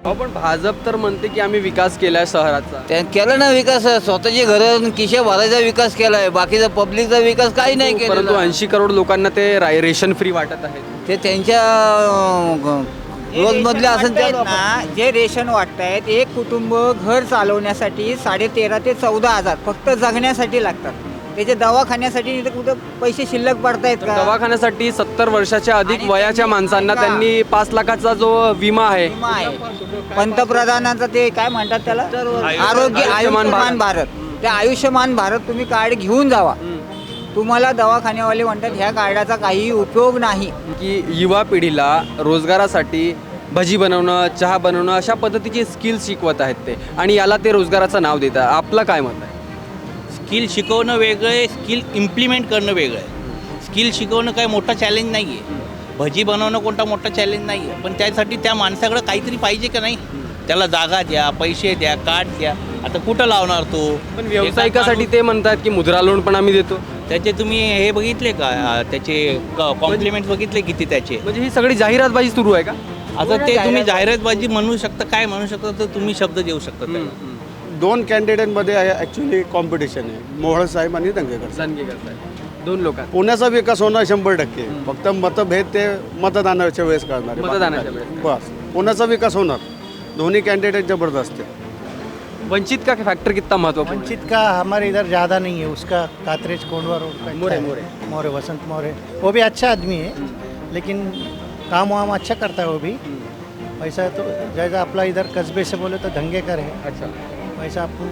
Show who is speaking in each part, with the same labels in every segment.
Speaker 1: पण भाजप तर म्हणते की आम्ही विकास केलाय शहराचा.
Speaker 2: त्यानं केलं ना विकास, स्वतःची घरं खिशे भरायचा विकास केलाय, बाकीचा पब्लिकचा विकास काही नाही
Speaker 1: परंतु
Speaker 2: केलेला.
Speaker 1: 80 करोड लोकांना ते रेशन फ्री वाटत आहेत.
Speaker 2: ते त्यांच्या रोजमधले असेल त्या
Speaker 3: ना, जे रेशन वाटतायत एक कुटुंब घर चालवण्यासाठी 13.5 ते 14,000 फक्त जगण्यासाठी लागतात. त्याचे दवाखान्यासाठी इथं कुठं पैसे शिल्लक पडतायत
Speaker 1: तर
Speaker 3: का?
Speaker 1: दवाखान्यासाठी 70 वर्षाच्या अधिक
Speaker 3: आणि
Speaker 1: वयाच्या
Speaker 3: त्यांनी
Speaker 1: माणसांना
Speaker 3: ऐका.
Speaker 1: त्यांनी 5 लाखाचा जो विमा आहे
Speaker 3: विमा आहे पंतप्रधानांचा, ते काय म्हणतात त्याला, आरोग्य
Speaker 1: आयुष्यमान
Speaker 3: आयुष्यमान भारत. त्या आयुष्यमान भारत तुम्ही कार्ड घेऊन जावा. तुम्हाला दवाखान्यावाले म्हणतात ह्या कार्डाचा काही उपयोग नाही.
Speaker 1: की युवा पिढीला रोजगारासाठी भजी बनवणं, चहा बनवणं अशा पद्धतीची स्किल्स शिकवत आहेत ते, आणि याला ते रोजगाराचं नाव देतात. आपलं काय मत आहे?
Speaker 4: स्किल शिकवणं वेगळं आहे, स्किल इम्प्लिमेंट करणं वेगळं आहे. स्किल शिकवणं काय मोठा चॅलेंज नाही आहे, भजी बनवणं कोणता मोठा चॅलेंज नाही आहे, पण त्यासाठी त्या माणसाकडं काहीतरी पाहिजे का नाही. त्याला जागा द्या, पैसे द्या, कार्ड द्या. आता कुठं लावणार तो?
Speaker 1: पण व्यावसायिकासाठी ते म्हणतात की मुद्रा लोन पण आम्ही देतो.
Speaker 4: त्याचे तुम्ही हे बघितले का, त्याचे कॉम्प्लिमेंट बघितले किती त्याचे?
Speaker 1: म्हणजे ही सगळी जाहिरातबाजी सुरू आहे का?
Speaker 4: आता ते तुम्ही जाहिरातबाजी म्हणू शकता, काय म्हणू शकता, तर तुम्ही शब्द देऊ शकता त्याला.
Speaker 5: 2 कॅन्डिडेटमध्ये ॲक्च्युली कॉम्पिटिशन आहे, मोहोळ साहेब आणि दंगेकर साहेब.
Speaker 1: दणगेकर साहेब 2 लोक
Speaker 5: पुण्याचा विकास होणार 100%. फक्त मतभेद ते मतदानाच्या वेळेस करणार आहे.
Speaker 1: मतदानाच्या वेळेस.
Speaker 5: बस पुण्याचा विकास होणार. दोन्ही कॅन्डिडेट जबरदस्त आहे.
Speaker 1: वंचित का फैक्टर कितना महत्वपूर्ण है?
Speaker 6: वंचित का हमारे इधर ज़्यादा नहीं है, उसका कातरेज कोंडवा रोड का
Speaker 1: मोरे,
Speaker 6: मोरे वसंत मोरे, वो भी अच्छा आदमी है, लेकिन काम वाम अच्छा करता है वो भी. वैसा तो जैसा अपना इधर कस्बे से बोले तो धंगेकर है,
Speaker 1: अच्छा,
Speaker 6: वैसा आपको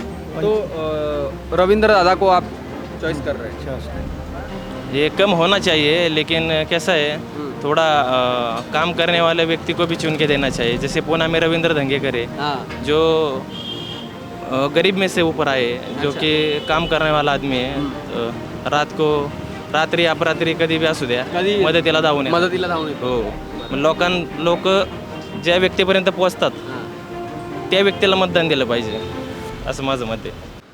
Speaker 1: तो रविंद्र दादा को आप चॉइस कर रहे हैं?
Speaker 6: अच्छा
Speaker 7: ये कम होना चाहिए, लेकिन कैसा है, थोड़ा काम करने वाले व्यक्ति को भी चुन के देना चाहिए. जैसे पूना में रविंद्र धंगेकर है,
Speaker 1: हाँ.
Speaker 7: जो गरीब में से ऊपर आए, जो
Speaker 1: अच्छा.
Speaker 7: कि काम करने वाला आदमी है. रात्री अपरात्री कधी बी असू द्या,
Speaker 1: कधी
Speaker 7: मदतीला धावून येतात.
Speaker 1: मदतीला धावून येतो.
Speaker 7: हो, लोक ज्या व्यक्तीपर्यंत पोहोचतात त्या व्यक्तीला मतदान दिलं पाहिजे, असं माझं मत आहे.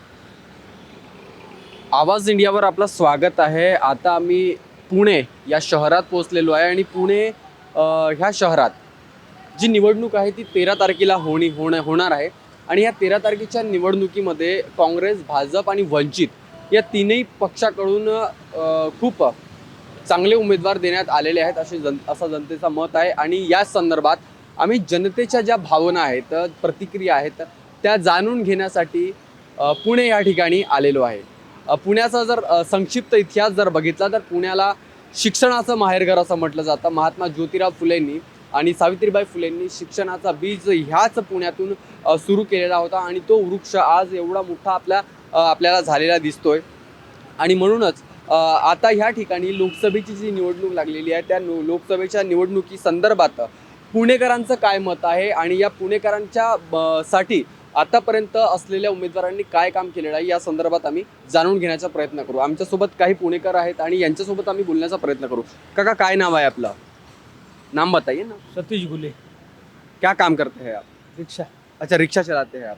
Speaker 1: आवाज इंडियावर आपलं स्वागत आहे. आता आम्ही पुणे या शहरात पोहोचलेलो आहे, आणि पुणे ह्या शहरात जी निवडणूक आहे ती 13 तारखेला होणार आहे. आणि या 13 तारखेच्या निवडणुकीमध्ये काँग्रेस, भाजप आणि वंचित या तीनही पक्षाकडून खूप चांगले उमेदवार देण्यात आलेले आहेत असं जनतेचं मत आहे. आणि या संदर्भात आम्ही जनतेच्या ज्या भावना आहेत, प्रतिक्रिया आहेत, त्या जाणून घेण्यासाठी पुणे या ठिकाणी आलेलो आहे. पुण्याचा जर संक्षिप्त इतिहास जर बघितला तर पुण्याला शिक्षणाचं माहेरघर असं म्हटलं जातं. महात्मा ज्योतिराव फुलेंनी आणि सावित्रीबाई फुलेंनी शिक्षणाचा बीज ह्याच पुण्यातून सुरू केलेला होता, आणि तो वृक्ष आज एवढा मोठा आपल्याला झालेला दिसतोय. आणि म्हणूनच आता ह्या ठिकाणी लोकसभेची जी निवडणूक लागलेली आहे, त्या लोकसभेच्या निवडणुकी संदर्भात पुणेकरांचं काय मत आहे, आणि या पुणेकरांच्या साठी आतापर्यंत असलेल्या उमेदवारांनी काय काम केलेलं आहे या संदर्भात आम्ही जाणून घेण्याचा प्रयत्न करू. आमच्यासोबत काही पुणेकर आहेत आणि यांच्यासोबत आम्ही बोलण्याचा प्रयत्न करू. काका, काय नाव आहे आपलं? नाम बताइए ना.
Speaker 8: सतीश गुले.
Speaker 1: क्या काम करते हैं आप?
Speaker 8: रिक्शा.
Speaker 1: अच्छा, रिक्शा चलाते हैं आप.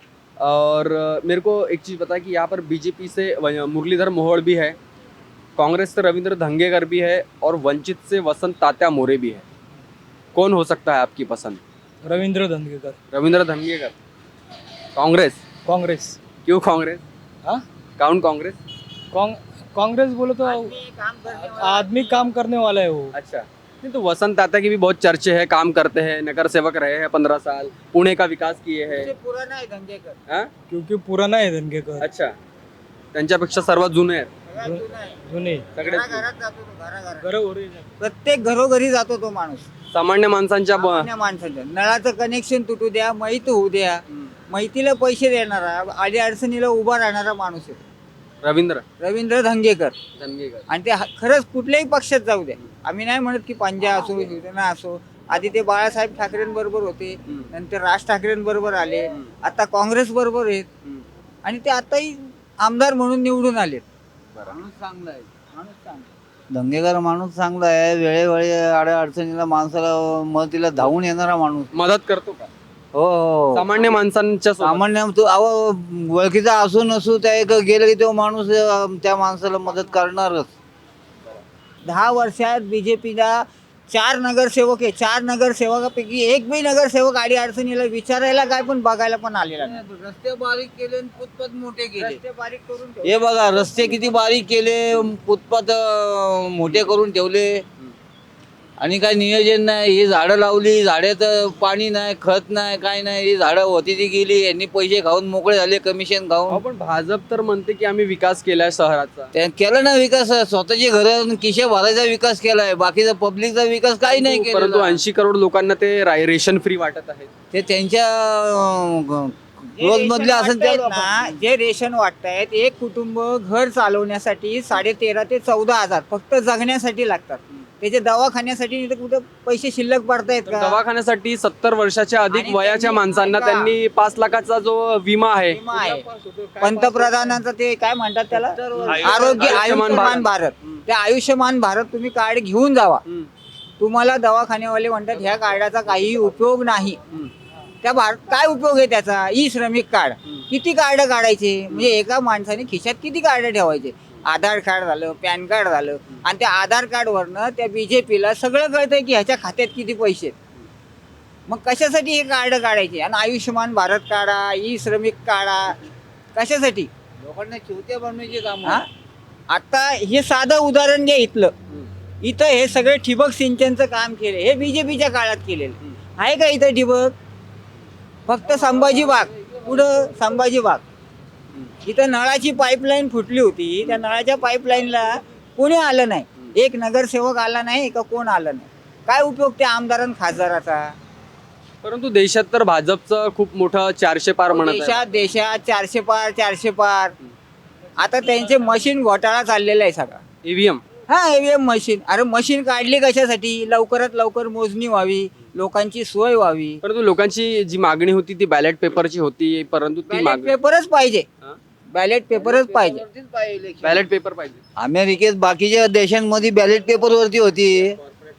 Speaker 1: और मेरे को एक चीज़ बताया कि यहाँ पर बीजेपी से मुरलीधर मोहोळ भी है, कांग्रेस से रविंद्र धंगेकर भी है, और वंचित से वसंत तात्या मोरे भी है. कौन हो सकता है आपकी पसंद?
Speaker 8: रवींद्र धंगेकर.
Speaker 1: रविंद्र धंगेकर. कांग्रेस?
Speaker 8: कांग्रेस.
Speaker 1: क्यों कांग्रेस?
Speaker 8: हाँ?
Speaker 1: कौन कांग्रेस?
Speaker 8: कांग्रेस बोले तो आदमी काम करने वाला है वो.
Speaker 1: अच्छा, नहीं तो वसंत तात्या की भी बहुत चर्चे हैं, काम करते हैं, नगर सेवक रहे हैं 15 साल, पुणे का विकास किए हैं.
Speaker 3: पुराना आहे दंगेकर.
Speaker 1: हाँ?
Speaker 8: क्योंकि पुराना है धंगेकर.
Speaker 1: अच्छा, त्यांच्यापेक्षा सर्वात जुने आहेत.
Speaker 8: जुने
Speaker 1: सगळे
Speaker 3: घराघरात जातो तो, घराघरात.
Speaker 8: घरोघरी.
Speaker 3: प्रत्येक घरोघरी जातो तो माणूस.
Speaker 1: सामान्य माणसांच्या
Speaker 3: सामान्य माणसाच्या नळाचं कनेक्शन तुटू द्या, माहिती होऊ द्या, माहितीला पैसे देणारा, आडी अडचणीला उभा राहणारा माणूस आहे रवींद्र धंगेकर. आणि ते खरंच कुठल्याही पक्षात जाऊ द्या, आम्ही नाही म्हणत की पंजा असो, शिवसेना असो. आधी ते बाळासाहेब ठाकरेंबरोबर होते, नंतर राज ठाकरेंबरोबर आले, आता काँग्रेस बरोबर आहेत, आणि ते आताही आमदार म्हणून निवडून आलेत. माणूस चांगला आहे, माणूस चांगला.
Speaker 2: धंगेकर माणूस चांगला आहे, वेळेवेळी आड्या अडचणीला माणसाला मदतीला धावून येणारा माणूस.
Speaker 1: मदत करतो का?
Speaker 2: हो हो.
Speaker 1: सामान्य माणसांच्या सोबत.
Speaker 2: सामान्य तो ओळखीचा असू नसू, त्या एक गेलं की तो माणूस त्या माणसाला मदत करणारच.
Speaker 3: 10 वर्षात बीजेपीला 4 नगरसेवक आहे, 4 नगरसेवकापैकी एक बी नगरसेवक आडी अडचणीला विचारायला काय पण बघायला पण आलेला नाही.
Speaker 2: रस्ते बारीक केले आणि फुटपाथ मोठे केले.
Speaker 3: रस्ते बारीक करून ठेवले.
Speaker 2: हे बघा रस्ते किती बारीक केले, फुटपाथ मोठे करून ठेवले आणि काय नियोजन नाही. ही झाडं लावली, झाडात पाणी नाही, खत नाही, काय नाही. ही झाडं होती ती गेली, यांनी पैसे खाऊन मोकळे झाले, कमिशन खाऊन.
Speaker 1: पण भाजप तर म्हणते की आम्ही विकास केलाय शहराचा.
Speaker 2: त्या केलं ना विकास, स्वतःची घरं खिशे भरायचा विकास केलाय, बाकीचा पब्लिकचा विकास काही नाही
Speaker 1: परंतु
Speaker 2: केला.
Speaker 1: 80 करोड लोकांना ते रेशन फ्री वाटत आहे.
Speaker 2: ते त्यांच्या
Speaker 3: जे
Speaker 2: रोज
Speaker 3: रेशन
Speaker 2: मधले असेल
Speaker 3: वाटतायत ना, जे रेशन वाटतायत, एक कुटुंब घर चालवण्यासाठी 13,500 ते 14,000 फक्त जगण्यासाठी लागतात. त्याचे दवाखान्यासाठी इथं कुठं पैसे शिल्लक पडतायत
Speaker 1: तर
Speaker 3: का?
Speaker 1: दवाखान्यासाठी 70 वर्षाच्या अधिक
Speaker 3: आणि
Speaker 1: वयाच्या
Speaker 3: त्यांनी
Speaker 1: माणसांना
Speaker 3: ऐका.
Speaker 1: त्यांनी 5 लाखाचा जो विमा आहे
Speaker 3: विमा आहे पंतप्रधानांचा, ते काय म्हणतात त्याला, आरोग्य आयुष्यमान भारत. ते आयुष्यमान भारत तुम्ही कार्ड घेऊन जावा. तुम्हाला दवाखान्यावाले म्हणतात ह्या कार्डाचा काही उपयोग नाही. त्या काय उपयोग आहे त्याचा? ई श्रमिक कार्ड. किती कार्ड काढायचे? म्हणजे एका माणसाने खिशात किती कार्ड ठेवायचे? आधार कार्ड झालं, पॅन कार्ड झालं, आणि त्या आधार कार्डवरनं त्या बीजेपीला सगळं कळतंय की ह्याच्या खात्यात किती पैसे आहेत. मग कशासाठी हे कार्ड काढायचे? आणि आयुष्यमान भारत काढा, ई श्रमिक काढा, कशासाठी?
Speaker 2: लोकांना चिवत्या बनवायचे काम.
Speaker 3: हा? आता हे साधं उदाहरण घ्या इथलं. इथं हे सगळे ठिबक सिंचनचं काम केले, हे बीजेपीच्या काळात केलेलं आहे का? इथं ठिबक फक्त संभाजी बाग, पुढं संभाजी बाग. इथं नळाची पाईपलाईन फुटली होती, त्या नळाच्या पाईपलाईनला कोणी आलं नाही. एक नगरसेवक आला नाही का कोण आलं नाही. काय उपयोग त्या आमदार खासदाराचा?
Speaker 1: परंतु देशात तर भाजपचं खूप मोठं 400 पार म्हणत आहे.
Speaker 3: देशात 400 पार. आता त्यांचे मशीन घोटाळा चाललेला आहे सगळा.
Speaker 1: ईव्हीएम.
Speaker 3: हा, ईव्हीएम मशीन. अरे मशीन काढली कशासाठी? लवकरात लवकर मोजणी व्हावी, लोकांची सोय व्हावी.
Speaker 1: परंतु लोकांची जी मागणी होती ती बॅलेट पेपरची होती, परंतु ती
Speaker 3: बॅलेट
Speaker 1: मागणी
Speaker 3: पेपरच पाहिजे. बॅलेट पेपरच पाहिजे.
Speaker 1: बॅलेट पेपर पाहिजे.
Speaker 2: अमेरिकेत बाकीच्या देशांमध्ये बॅलेट पेपर वरती होती,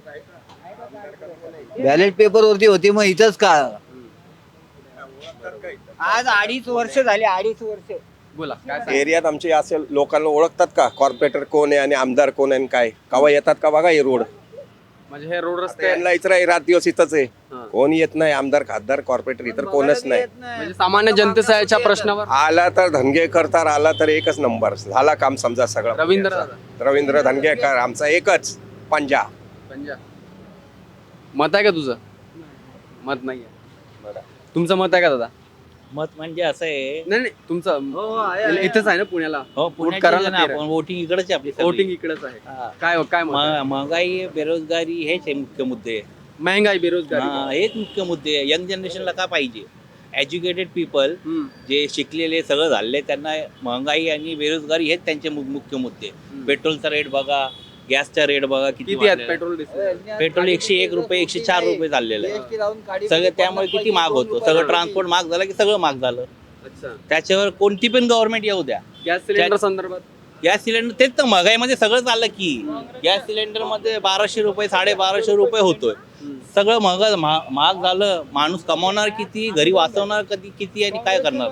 Speaker 2: बॅलेट पेपर वरती होती, मग इथंच का?
Speaker 3: आज 2.5 वर्ष झाले, 2.5 वर्ष.
Speaker 1: बोला काय सांगता?
Speaker 9: एरियात आमचे असे लोकांना ओळखतात का कॉर्पोरेटर कोण आहे आणि आमदार कोण आहे आणि काय कवा येतात का बघा हे रोड.
Speaker 1: म्हणजे हे रोड रस्ते
Speaker 9: त्यांना इतर रात दिवस इथंच आहे.
Speaker 1: हा.
Speaker 9: कोण येत नाही, आमदार खासदार कॉर्पोरेटर इतर कोणच नाही.
Speaker 1: म्हणजे सामान्य जनतेच्या प्रश्नावर
Speaker 9: आला तर धनगेकर तर आला तर एकच नंबर झाला काम समजा सगळं. रवींद्र धनगेकर आमचा एकच पंजा.
Speaker 1: मत आहे का तुझं? मत नाही आहे. तुमचं मत आहे का दादा?
Speaker 4: मत म्हणजे असं आहे,
Speaker 1: नाही नाही, तुमचं इथेच आहे ना पुण्याला?
Speaker 4: हो
Speaker 1: वोट करायला
Speaker 4: पुण्याची
Speaker 1: तयार आहे.
Speaker 4: आपण वोटिंग इकडेच आहे आपली सगळी.
Speaker 1: वोटिंग इकडेच आहे.
Speaker 4: हा.
Speaker 1: काय काय मत आहे?
Speaker 4: महागाई, बेरोजगारी हेच आहे मुख्य मुद्दे.
Speaker 1: महंगाई, बेरोजगारी.
Speaker 4: हा, हेच मुख्य मुद्दे आहे. यंग जनरेशनला का पाहिजे? एज्युकेटेड पीपल जे शिकलेले सगळं झाले त्यांना महागाई आणि बेरोजगारी हेच त्यांचे मुख्य मुद्दे. पेट्रोलचा रेट बघा, गॅसचा रेट बघा किती
Speaker 1: किती आहेत
Speaker 4: वाढलेला आहे.
Speaker 1: Petrol diesel?
Speaker 4: पेट्रोल 101 रुपये, 104 रुपये झालेलं आहे सगळं. त्यामुळे किती महाग होतो सगळं. ट्रान्सपोर्ट महाग झालं की सगळं महाग झालं.
Speaker 1: अच्छा.
Speaker 4: त्याच्यावर कोणती पण गव्हर्नमेंट येऊ द्या,
Speaker 1: गॅस सिलेंडर संदर्भात
Speaker 4: गॅस सिलेंडर तेच तर महागाईमध्ये सगळं चाललं की गॅस सिलेंडर मध्ये 1200 रुपये, 1250 रुपये होतोय. सगळं महाग झालं. माणूस कमावणार किती, घरी वाचवणार कधी किती आणि काय करणार?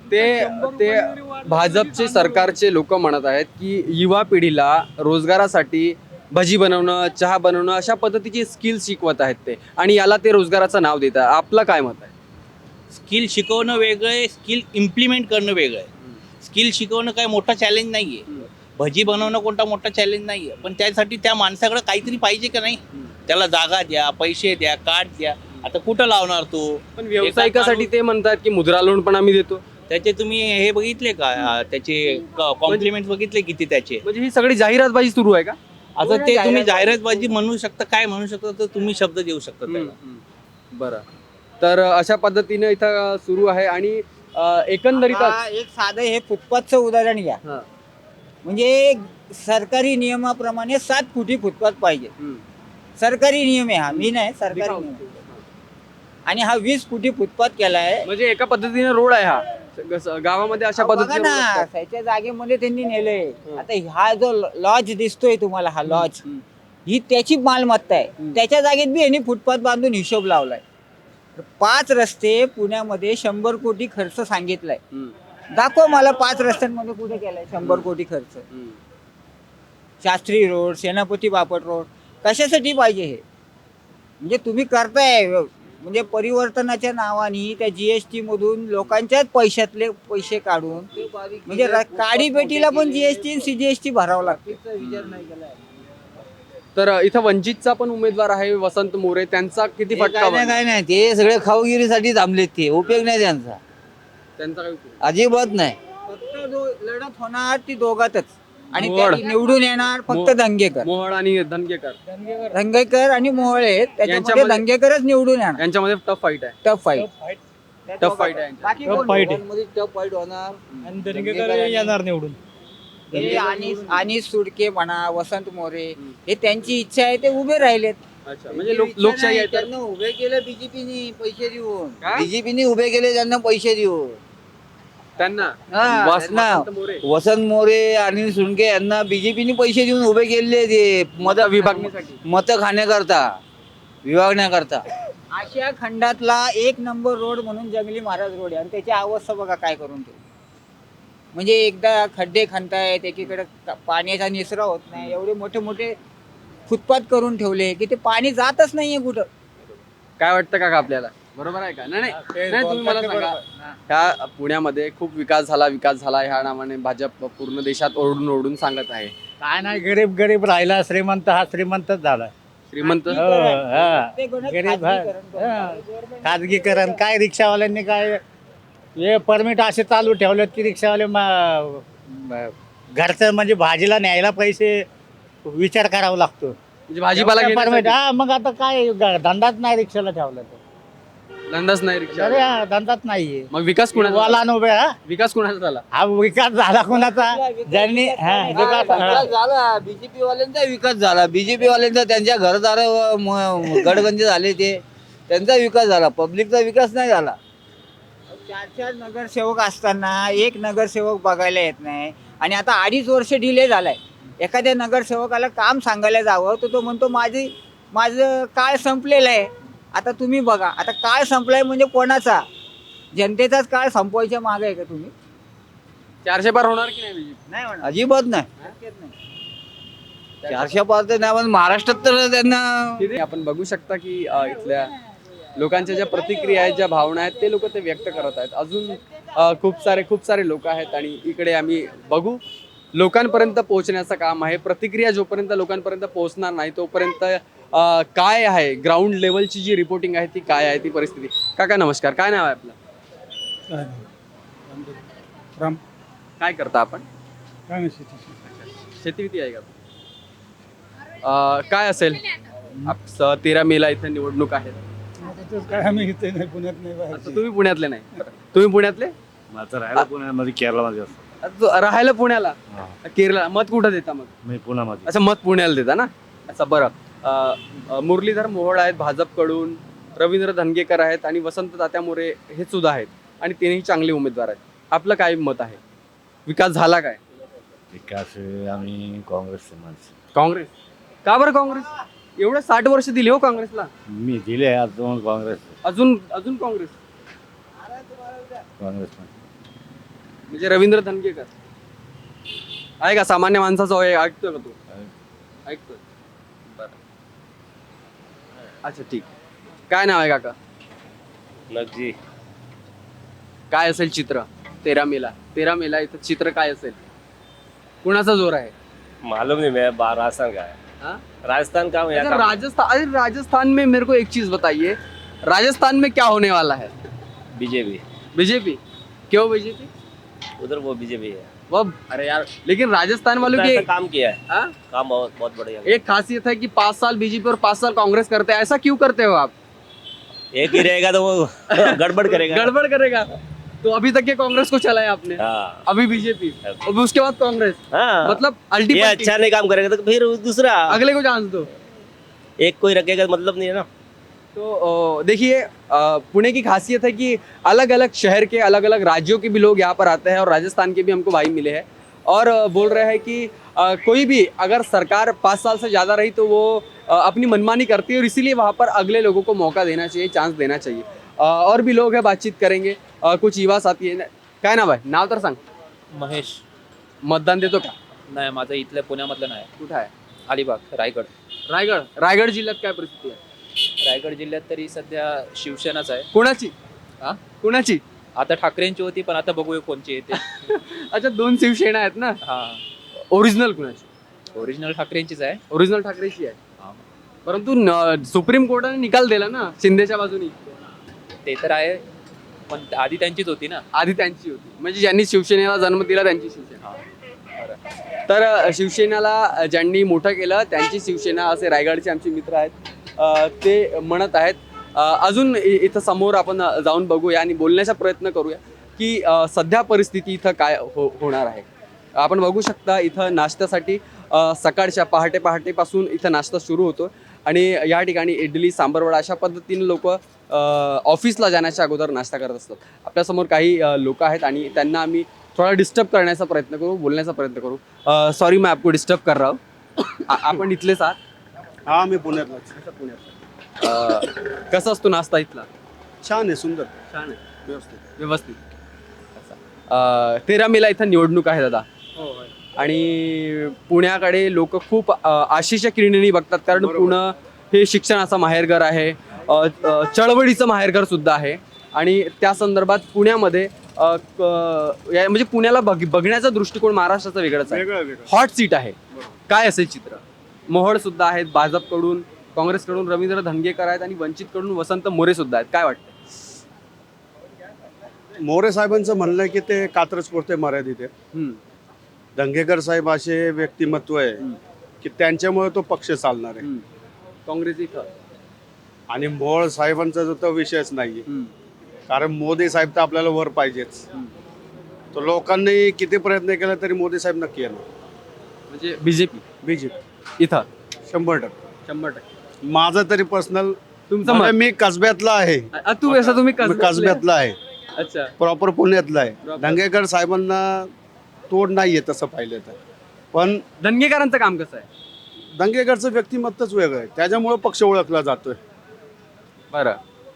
Speaker 1: ते भाजपचे सरकारचे लोक म्हणत आहेत की युवा पिढीला रोजगारासाठी भजी बनवणं, चहा बनवणं अशा पद्धतीची स्किल शिकवत आहेत ते, आणि याला ते रोजगाराचं नाव देतात. आपलं काय मत आहे?
Speaker 4: स्किल शिकवणं वेगळं आहे, स्किल इम्प्लिमेंट करणं वेगळं आहे. स्किल शिकवणं काय मोठा चॅलेंज नाही आहे. भजी बनवणं कोणता मोठा चॅलेंज नाही आहे, पण त्यासाठी त्या माणसाकडे काहीतरी पाहिजे का नाही? त्याला जागा द्या, पैसे द्या, कार्ड द्या. आता कुठं लावणार तो?
Speaker 1: पण व्यावसायिकासाठी ते म्हणतात की मुद्रा लोन पण आम्ही देतो.
Speaker 4: त्याचे तुम्ही हे बघितले का? त्याचे कॉम्प्लिमेंट बघितले किती त्याचे?
Speaker 1: म्हणजे ही सगळी जाहिरातबाजी सुरू आहे का?
Speaker 4: आता ते तुम्ही जाहिरातबाजी म्हणू शकता, काय म्हणू शकता, तर तुम्ही शब्द देऊ शकता त्याला.
Speaker 1: बरं. तर अशा पद्धतीने इथं सुरू आहे. आणि एकंदरीतच
Speaker 3: आता एक साधं हे फुटपाथचं उदाहरण घ्या. म्हणजे सरकारी नियमाप्रमाणे 7 फुटी फुटपाथ पाहिजे. सरकारी नियम आहे हा, मी नाही, सरकारी नियम. आणि हा 20 फुटी फुटपाथ केलाय.
Speaker 1: म्हणजे एका पद्धतीने रोड आहे हा गावामध्ये अशा
Speaker 3: बघा
Speaker 1: पद्धतीने
Speaker 3: ना,
Speaker 1: रोड असतात.
Speaker 3: त्याच्या जागेमध्ये त्यांनी नेलंय. आता हा जो लॉज दिसतोय तुम्हाला, हा लॉज, ही त्याची मालमत्ता आहे. त्याच्या जागेत बी यांनी फुटपाथ बांधून हिशोब लावलाय. 5 रस्ते पुण्यामध्ये 100 कोटी खर्च सांगितलाय. दाखव मला 5 रस्त्यांमध्ये कुठे केलाय 100 कोटी खर्च. शास्त्री रोड, सेनापती बापट रोड, कशासाठी पाहिजे हे? म्हणजे तुम्ही करताय म्हणजे परिवर्तनाच्या नावाने त्या जीएसटी मधून लोकांच्याच पैशातले पैसे काढून म्हणजे काडीपेटीला पण जीएसटी सीजीएसटी भरावं लागते. विचार नाही केलाय.
Speaker 1: तर इथं वंचितचा पण उमेदवार आहे वसंत मोरे, त्यांचा किती फटका
Speaker 2: काय नाही ते सगळे खाऊगिरीसाठी थांबलेत, ते उपयोग नाही त्यांचा,
Speaker 1: त्यांचा काय उपयोग?
Speaker 2: अजिबात नाही.
Speaker 3: फक्त लढत होणार ती दोघातच आणि
Speaker 1: मोहोळ.
Speaker 3: त्यात निवडून येणार फक्त धंगेकर.
Speaker 1: मोहोळ आणि धनगेकर
Speaker 3: धंगेकर आणि मोहोळ आहेत, त्याच्यामध्ये
Speaker 1: यांच्यामध्ये-
Speaker 3: धंगेकरच निवडून येणार.
Speaker 1: यांच्यामध्ये टफ फाईट आहे.
Speaker 3: टफ फाईट
Speaker 1: टफ फाईट आहे यांच्यात.
Speaker 3: बाकी
Speaker 8: Tough
Speaker 3: कोण?
Speaker 8: fight आहे.
Speaker 2: मध्ये टफ फाईट होणार.
Speaker 8: आणि दरेकर येणार निवडून.
Speaker 3: हे आणि सुडके म्हणा, वसंत मोरे, हे त्यांची इच्छा आहे, ते उभे राहिलेत.
Speaker 1: अच्छा, म्हणजे लोकशाही आहे तर
Speaker 2: त्यांना उभे केले बीजेपीने पैसे देऊन,
Speaker 1: काय?
Speaker 2: बीजेपीने उभे केले त्यांना पैसे देऊन.
Speaker 1: त्यांना
Speaker 2: हा,
Speaker 1: वसंत
Speaker 2: त्यांना
Speaker 1: मोरे
Speaker 2: वसंत मोरे अनिल सुनके यांना बीजेपीने पैसे देऊन उभे केले, ते मत
Speaker 1: विभागण्यासाठी.
Speaker 2: मत खाण्याकरता, विभागण्याकरता.
Speaker 3: आशिया खंडातला 1 नंबर रोड म्हणून जंगली महाराज रोड आहे आणि त्याची अवस्था बघा काय करून ठेवली. म्हणजे एकदा खड्डे खणतायत, एकीकडे पाण्याचा निचरा होत नाही, एवढे मोठे मोठे फुटपाथ करून ठेवले की ते पाणी जातच नाहीये कुठं.
Speaker 1: काय वाटतं का आपल्याला? बरोबर आहे का? नाही नाही, तुम्ही मला सांगा, ह्या पुण्यामध्ये खूप विकास झाला ह्या नावाने भाजप पूर्ण देशात ओरडून ओरडून सांगत आहे.
Speaker 6: काय नाही, गरीब गरीब राहिला, श्रीमंत हा श्रीमंतच झाला.
Speaker 1: श्रीमंत
Speaker 6: गरीब खाजगीकरण काय, रिक्षावाल्यांनी काय हे परमिट असे चालू ठेवलेत की रिक्षावाले घरचं म्हणजे भाजीला न्यायला पैसे विचार करावा लागतो.
Speaker 1: म्हणजे भाजीपाला
Speaker 6: परमिट
Speaker 1: घेण्यासाठी
Speaker 6: हा, मग आता काय धंदाच नाही रिक्षाला ठेवला तर.
Speaker 1: धंदाच नाही रिक्षा.
Speaker 6: अरे हा, धंदाच नाहीये.
Speaker 1: मग विकास कुणाचा झाला?
Speaker 6: वाला उभे हा,
Speaker 1: विकास कुणाचा झाला?
Speaker 6: हा विकास झाला कोणाचा? ज्यांनी
Speaker 2: विकास झाला, बीजेपी वाल्यांचा विकास झाला. बीजेपी वाल्यांचा त्यांच्या घरदार गडगंज झाले, ते त्यांचा विकास झाला, पब्लिकचा विकास नाही झाला.
Speaker 3: 4 नगरसेवक असताना एक नगरसेवक बघायला येत नाही आणि आता 2.5 वर्ष डिले झालाय. एखाद्या नगरसेवकाला काम सांगायला जावं तर तो म्हणतो माझं काळ संपलेलं आहे. आता तुम्ही बघा, आता काळ संपलाय म्हणजे कोणाचा? जनतेचाच काळ संपवायच्या मागे आहे का तुम्ही?
Speaker 1: 400 पार होणार की नाही BJP?
Speaker 3: नाही होणार.
Speaker 2: अजिबात नाही.
Speaker 3: शक्यच नाही.
Speaker 2: 400 पार तर नाही, पण महाराष्ट्रात तर त्यांना
Speaker 1: आपण बघू शकता की इथल्या लोकांच्या ज्या प्रतिक्रिया आहेत, ज्या भावना आहेत, ते लोक ते व्यक्त करत आहेत. अजून खूप सारे लोक आहेत आणि इकडे आम्ही बघू, लोकांपर्यंत पोहोचण्याचं काम आहे. प्रतिक्रिया जोपर्यंत लोकांपर्यंत पोहोचणार नाही तोपर्यंत काय आहे ग्राउंड लेवलची जी रिपोर्टिंग आहे ती काय आहे, ती परिस्थिती. काका नमस्कार, काय नाव आहे आपलं? काय करता आपण? शेती किती आहे का? काय असेल 13 मेला इथे निवडणूक आहेत.
Speaker 8: काय आम्ही इथे नाही, पुण्यात नाही.
Speaker 1: आता तुम्ही पुण्यातले नाही, तुम्ही पुण्यातले?
Speaker 5: माझं राहायला पुण्यामध्ये, केरळमध्ये असतो.
Speaker 1: राहायला पुण्याला, केरळ. मत कुठं देता मग?
Speaker 5: मी पुण्यामध्ये.
Speaker 1: अच्छा, मत पुण्याला देता ना. अच्छा, बरं. मुरलीधर मोहोळ आहेत भाजपकडून, रवींद्र धनगेकर आहेत आणि वसंत तात्या मोरे हे सुद्धा आहेत आणि तिन्ही चांगले उमेदवार आहेत. आपलं काय मत आहे? विकास झाला काय?
Speaker 5: विकास आम्ही काँग्रेसचे माणसं.
Speaker 1: काँग्रेस का बरं? काँग्रेस एवढं 60 वर्ष दिली हो काँग्रेसला.
Speaker 5: मी दिले अजून काँग्रेस
Speaker 1: अजून काँग्रेस म्हणजे रवींद्र धनगेकर आहे का? सामान्य माणसाचा होय, ऐकतोय का तू? ऐकतोय. बरं, अच्छा, ठीक. काय नाव आहे काका?
Speaker 5: लग्जी.
Speaker 1: काय असेल चित्र 13 मेला इथं चित्र काय असेल? कुणाचा जोर आहे?
Speaker 10: मालूम नहीं, मैं राजस्थान का है।
Speaker 1: हाँ?
Speaker 10: राजस्थान का हूँ, यहाँ
Speaker 1: अच्छा,
Speaker 10: का।
Speaker 1: राजस्थान में मेरे को एक चीज बताइए, राजस्थान में क्या होने वाला है?
Speaker 10: BJP
Speaker 1: BJP? क्यों बीजेपी?
Speaker 10: उधर वो बीजेपी है।
Speaker 1: वो अरे यार, लेकिन राजस्थान वालों की
Speaker 10: ऐसा काम किया है,
Speaker 1: हाँ?
Speaker 10: काम बहुत बहुत बढ़िया।
Speaker 1: एक खासियत है कि 5 साल बीजेपी और 5 साल कांग्रेस करते हैं. ऐसा क्यों करते हो आप?
Speaker 10: एक ही रहेगा तो वो गड़बड़ करेगा।
Speaker 1: गड़बड़ करेगा. तो अभी तक के कांग्रेस को चलाया आपने,
Speaker 10: हाँ
Speaker 1: अभी बीजेपी, अभी उसके बाद कांग्रेस.
Speaker 10: हाँ,
Speaker 1: मतलब
Speaker 10: ये
Speaker 1: अल्टीमेट
Speaker 10: अच्छा नहीं काम करेगा तो फिर दूसरा
Speaker 1: अगले को चांस दो.
Speaker 10: एक कोई रखेगा मतलब नहीं है ना।
Speaker 1: तो देखिए, पुणे की खासियत है कि अलग अलग शहर के अलग अलग राज्यों के भी लोग यहाँ पर आते हैं और राजस्थान के भी हमको भाई मिले हैं और बोल रहे हैं कि कोई भी अगर सरकार 5 साल से ज़्यादा रही तो वो अपनी मनमानी करती है और इसीलिए वहाँ पर अगले लोगों को मौका देना चाहिए, चांस देना चाहिए. और भी लोग हैं, बातचीत करेंगे. कुछ युवा साथी आहे. काय नाव आहे? नाव तर सांग.
Speaker 11: महेश.
Speaker 1: मतदान देतो का?
Speaker 11: नाही, माझं इथल्या पुण्यामधलं नाही.
Speaker 1: कुठं आहे?
Speaker 11: अलिबाग, रायगड.
Speaker 1: रायगड जिल्ह्यात काय परिस्थिती आहे?
Speaker 11: रायगड जिल्ह्यात तरी सध्या शिवसेनाच आहे.
Speaker 1: कोणाची
Speaker 11: हा?
Speaker 1: कोणाची
Speaker 11: आता ठाकरेंची होती पण आता बघूया कोणची येते.
Speaker 1: अच्छा, 2 शिवसेना आहेत ना.
Speaker 11: हा,
Speaker 1: ओरिजिनल कुणाची?
Speaker 11: ओरिजिनल ठाकरेंचीच आहे.
Speaker 1: ओरिजिनल ठाकरेची आहे.
Speaker 11: हा.
Speaker 1: परंतु सुप्रीम कोर्टाने निकाल दिला ना शिंदेच्या बाजूनी.
Speaker 11: ते तर आहे पण आधी त्यांचीच होती ना.
Speaker 1: आधी त्यांची होती, म्हणजे ज्यांनी शिवसेनेला जन्म दिला त्यांची शिवसेना.
Speaker 11: हा.
Speaker 1: तर शिवसेनेला ज्यांनी मोठं केलं त्यांची शिवसेना असे रायगडचे आमचे मित्र आहेत ते म्हणत आहेत. अजून इथं समोर आपण जाऊन बघूया आणि बोलण्याचा प्रयत्न करूया की सध्या परिस्थिती इथं काय होणार आहे. आपण बघू शकता इथं नाश्त्यासाठी सकाळच्या पहाटेपासून इथं नाश्ता सुरू होतो आणि या ठिकाणी इडली सांबारवडा अशा पद्धतीने लोक ऑफिसला जाण्याच्या अगोदर नाश्ता करत असतात. आपल्यासमोर काही लोक आहेत आणि त्यांना आम्ही थोडा डिस्टर्ब करण्याचा प्रयत्न करू, बोलण्याचा प्रयत्न करू. सॉरी मैं आपको डिस्टर्ब कर रहा हूँ. आपण इथलेच आहात?
Speaker 5: हा, मी पुण्यातलाच.
Speaker 1: कसा असतो नाश्ता इथला?
Speaker 5: छान आहे, सुंदर,
Speaker 1: छान आहे,
Speaker 5: व्यवस्थित.
Speaker 1: व्यवस्थित. 13 मेला इथं निवडणूक आहे दादा आणि पुण्याकडे लोक खूप आशेच्या किरणीने बघतात कारण पुणे हे शिक्षणाचं माहेरघर आहे, चळवळीचं माहेरघर सुद्धा आहे आणि त्या संदर्भात पुण्यामध्ये म्हणजे पुण्याला बघण्याचा दृष्टिकोन महाराष्ट्राचा वेगळाच आहे.
Speaker 5: वेगळं
Speaker 1: हॉट सीट आहे. काय असेल चित्र? मोहोळ सुद्धा आहेत, भाजपकडून काँग्रेसकडून रवींद्र धंगेकर आहेत आणि वंचितकडून वसंत मोरे सुद्धा आहेत. काय वाटतं?
Speaker 5: मोरे साहेबांचं म्हणणं आहे की ते कात्रजपुरते मर्यादित आहे. धंगेकर साहेब असे व्यक्तिमत्व आहे की त्यांच्यामुळे तो पक्ष चालणार आहे.
Speaker 1: काँग्रेस इथं
Speaker 5: आणि मोहोळ साहेबांचा जो तो विषयच नाहीये, कारण मोदी साहेब तर आपल्याला वर पाहिजेच. तो लोकांनी किती प्रयत्न केला तरी मोदी साहेब नक्की येणार.
Speaker 1: म्हणजे बीजेपी इथं
Speaker 5: 100%. माझं तरी पर्सनल,
Speaker 1: तुमचं मत?
Speaker 5: मी कसब्यातला आहे.
Speaker 1: तुम्ही
Speaker 5: कसब्यातला आहे,
Speaker 1: अच्छा,
Speaker 5: प्रॉपर पुण्यातला आहे. धंगेकर साहेबांना तोड नाहीये तसं पाहिलं तर. पण
Speaker 1: धंगेकरांचं काम कसं आहे?
Speaker 5: धंगेकरचं व्यक्तिमत्वच वेगळं आहे, त्याच्यामुळे पक्ष ओळखला जातोय.
Speaker 1: बरं.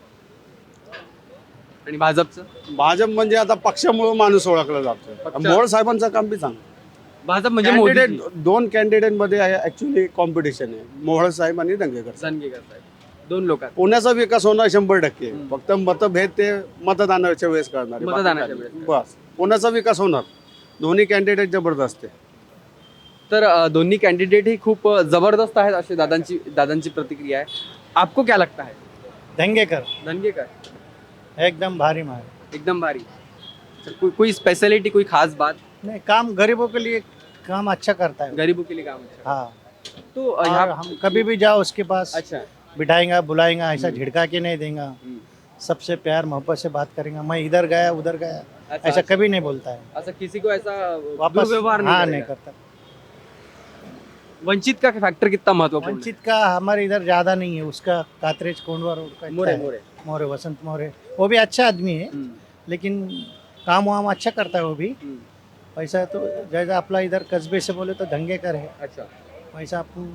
Speaker 1: आणि भाजपचं?
Speaker 5: भाजप म्हणजे आता पक्षामुळे माणूस ओळखला जातोय. मोहोळ साहेबांचं काम बी चांगलं.
Speaker 1: भाजप म्हणजे
Speaker 5: कॅन्डिडेट, 2 कॅन्डिडेट मध्ये ऍक्च्युली कॉम्पिटिशन आहे, मोहोळ साहेब आणि धंगेकर साहेब.
Speaker 1: 2 लोक.
Speaker 5: पुण्याचा विकास होणार 100%. फक्त मतभेद ते मतदानाच्या वेळेस करणार आहे.
Speaker 1: मतदानाच्या वेळेस.
Speaker 5: बस, पुण्याचा विकास होणार. दोन्ही कॅन्डिडेट जबरदस्त आहे.
Speaker 1: तर दोन्ही कॅन्डिडेट ही खूप जबरदस्त आहेत अशी दादांची प्रतिक्रिया आहे. आपको क्या लगता है? धंगेकर
Speaker 6: एकदम भारी मार.
Speaker 1: एकदम भारी. कोई स्पेशलिटी, कोई खास बात?
Speaker 6: नहीं, काम गरीबों के लिए काम अच्छा करता है.
Speaker 1: गरीबों के लिए काम अच्छा.
Speaker 6: हाँ,
Speaker 1: तो
Speaker 6: और
Speaker 1: यहाँ
Speaker 6: हम कभी भी जाओ उसके पास
Speaker 1: अच्छा.
Speaker 6: बिठाएंगा, बुलाएंगा, ऐसा झिड़का के नहीं देगा. सबसे प्यार मोहब्बत से बात करेंगे. मैं इधर गया उधर गया
Speaker 1: अच्छा,
Speaker 6: ऐसा कभी नहीं बोलता है.
Speaker 1: ऐसा किसी को ऐसा
Speaker 6: वापस
Speaker 1: दुर्व्यवहार
Speaker 6: हाँ
Speaker 1: नहीं
Speaker 6: नहीं
Speaker 1: करेगा.
Speaker 6: करता.
Speaker 1: वंचित का फैक्टर कितना महत्वपूर्ण
Speaker 6: वंचित का हमारे इधर ज्यादा नहीं है. उसका कातरेज कोंडवा रोड का
Speaker 1: है?
Speaker 6: इतना है. मोरे, वसंत मोरे, वो भी अच्छा आदमी है, लेकिन काम वाम अच्छा करता है वो भी. पैसा तो जैसा अपना इधर कस्बे से बोले तो धंगेकर है.
Speaker 1: अच्छा.
Speaker 6: पैसा अपन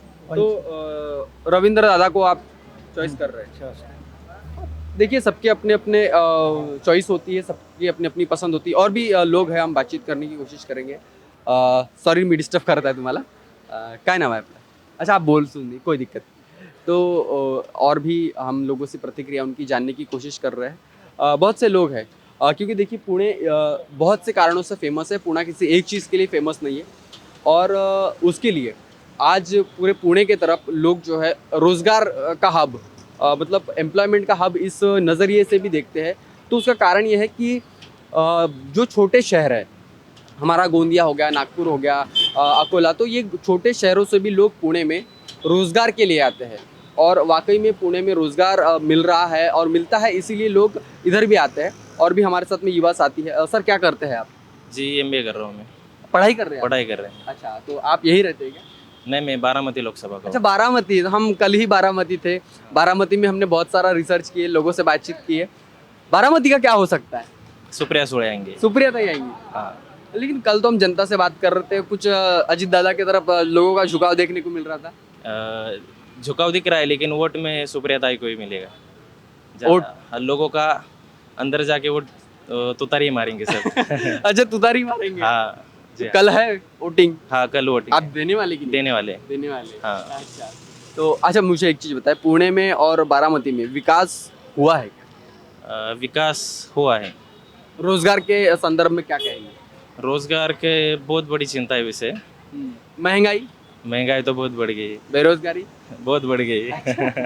Speaker 1: तो रविंद्र दादा को आप चॉइस कर रहे हैं. देखिए, सबके अपने अपने चॉइस होती है, सबकी अपनी अपनी पसंद होती है. और भी लोग हैं, हम बातचीत करने की कोशिश करेंगे. सॉरी मी डिस्टर्ब करता है तुम्हाला. काय नाम है आपका? अच्छा, आप बोल सुनिए, कोई दिक्कत नहीं. तो और भी हम लोगों से प्रतिक्रिया उनकी जानने की कोशिश कर रहे हैं. बहुत से लोग हैं क्योंकि देखिए पुणे बहुत से कारणों से फेमस है. पुणे किसी एक चीज़ के लिए फेमस नहीं है और उसके लिए आज पूरे पुणे के तरफ लोग जो है रोज़गार का हब मतलब एम्प्लॉयमेंट का हब इस नज़रिए से भी देखते हैं. तो उसका कारण ये है कि जो छोटे शहर है, हमारा गोंदिया हो गया, नागपुर हो गया, अकोला, तो ये छोटे शहरों से भी लोग पुणे में रोज़गार के लिए आते हैं और वाकई में पुणे में रोज़गार मिल रहा है और मिलता है, इसीलिए लोग इधर भी आते हैं. और भी हमारे साथ में युवा साथी है. सर, क्या करते हैं आप?
Speaker 7: जी MBA कर रहा हूँ मैं.
Speaker 1: पढ़ाई कर रहे हैं?
Speaker 7: पढ़ाई कर रहे हैं.
Speaker 1: अच्छा, तो आप यही रहते हैं क्या?
Speaker 7: नहीं, मैं बारामती लोकसभा का
Speaker 1: अच्छा, बारामती. हम कल ही बारामती थे. बारामती में हमने बहुत सारा रिसर्च किए, लोगों से बातचीत की है. बारामती का क्या हो सकता है?
Speaker 7: सुप्रिया सुळे आएंगे.
Speaker 1: सुप्रिया ताई आएंगी.
Speaker 7: हाँ.
Speaker 1: लेकिन कल तो हम जनता से बात कर रहे थे, कुछ अजीत दादा की तरफ लोगों का झुकाव देखने को मिल रहा था.
Speaker 7: झुकाव दिख रहा है लेकिन वोट में सुप्रिया ताई को ही मिलेगा.
Speaker 1: वोट?
Speaker 7: लोगों का अंदर जाके वोट तुतारी मारेंगे सब.
Speaker 1: अच्छा, तुतारी मारेंगे.
Speaker 7: हाँ जी.
Speaker 1: कल है वोटिंग.
Speaker 7: हाँ, कल वोटिंग
Speaker 1: आप देने वाले की नहीं?
Speaker 7: देने वाले.
Speaker 1: देने वाले.
Speaker 7: हाँ.
Speaker 1: अच्छा. तो अच्छा मुझे एक चीज़ बताए, पुणे में और बारामती में विकास हुआ है क्या?
Speaker 7: विकास हुआ है।
Speaker 1: रोजगार के संदर्भ में क्या कहेंगे?
Speaker 7: रोजगार के बहुत बड़ी चिंता है विषय।
Speaker 1: महंगाई,
Speaker 7: महंगाई तो बहुत बढ़ गई है,
Speaker 1: बेरोजगारी,
Speaker 7: बहुत बढ़ गई है।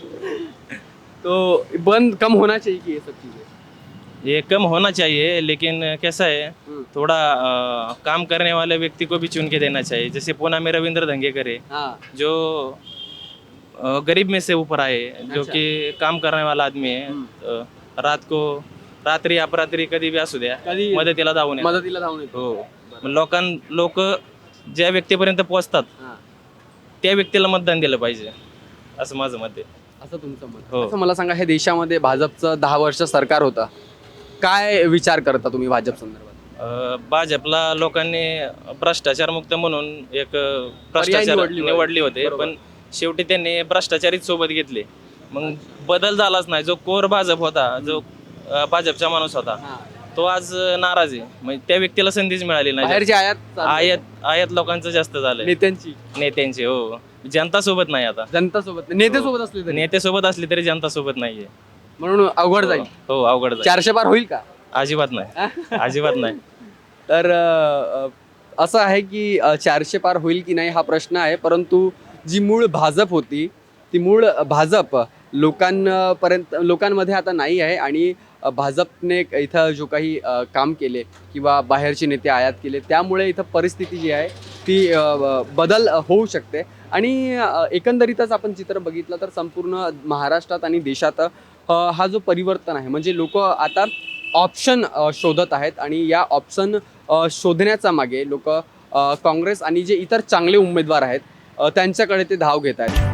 Speaker 1: तो बंद कम होना चाहिए कि ये सब चीजें?
Speaker 7: ये कम होना चाहिए, लेकिन कैसा है थोड़ा काम करने वाले व्यक्ति को भी चुन के देना चाहिए। जैसे पूना में रविंद्र धंगेकर है,
Speaker 1: हाँ,
Speaker 7: जो गरीब में से ऊपर आए, जो
Speaker 1: अच्छा।
Speaker 7: कि काम करने वाला आदमी है। रात को रात्री अपरात्री कधी बी असू द्या,
Speaker 1: कधी
Speaker 7: मदतीला धावून येतात.
Speaker 1: मदतीला धावून येतो.
Speaker 7: हो, लोक ज्या व्यक्तीपर्यंत पोहोचतात
Speaker 1: हां.
Speaker 7: त्या व्यक्तीला मतदान दिलं पाहिजे, असं माझं मत आहे.
Speaker 1: असं तुमचं मत?
Speaker 7: हो.
Speaker 1: असं मला सांगा, हे देशामध्ये भाजपचं 10 वर्ष सरकार होतं, काय विचार करता तुम्ही भाजप संदर्भात?
Speaker 7: भाजपला लोकांनी भ्रष्टाचारमुक्त म्हणून एक भ्रष्टाचार निवडली होते,
Speaker 1: बरोबर.
Speaker 7: पण शेवटी त्यांनी भ्रष्टाचारीच सोबत घेतले. मग बदल झालाच नाही. जो कोर भाजप होता, जो भाजपचा माणूस होता, तो आज नाराज आहे. म्हणजे त्या व्यक्तीला संधीच मिळाली नाही.
Speaker 1: बाहेरची आयात
Speaker 7: आयात लोकांचं जास्त झालंय, नेत्यांची. हो, जनता सोबत नाही आता.
Speaker 1: जनता सोबत, नेते सोबत असले तरी
Speaker 7: नेते सोबत असली तरी जनता सोबत नाहीये,
Speaker 1: म्हणून अवघड जाईल.
Speaker 7: हो, अवघड जाईल.
Speaker 1: 400 पार होईल का?
Speaker 7: अजिबात नाही, अजिबात नाही.
Speaker 1: तर असं आहे की 400 पार होईल की नाही हा प्रश्न आहे, परंतु जी मूळ भाजप होती ती मूळ भाजप लोकांमध्ये आता नाही आहे. आणि भाजपने इथं जो काही काम केले किंवा बाहेरचे नेते आयात केले, त्यामुळे इथं परिस्थिती जी आहे ती बदल होऊ शकते. आणि एकंदरीतच आपण चित्र बघितलं तर संपूर्ण महाराष्ट्रात आणि देशात हा जो परिवर्तन आहे, म्हणजे लोक आता ऑप्शन शोधत आहेत. आणि या ऑप्शन शोधण्याचा मागे लोक काँग्रेस आणि जे इतर चांगले उमेदवार आहेत त्यांच्याकडे ते धाव घेत आहेत.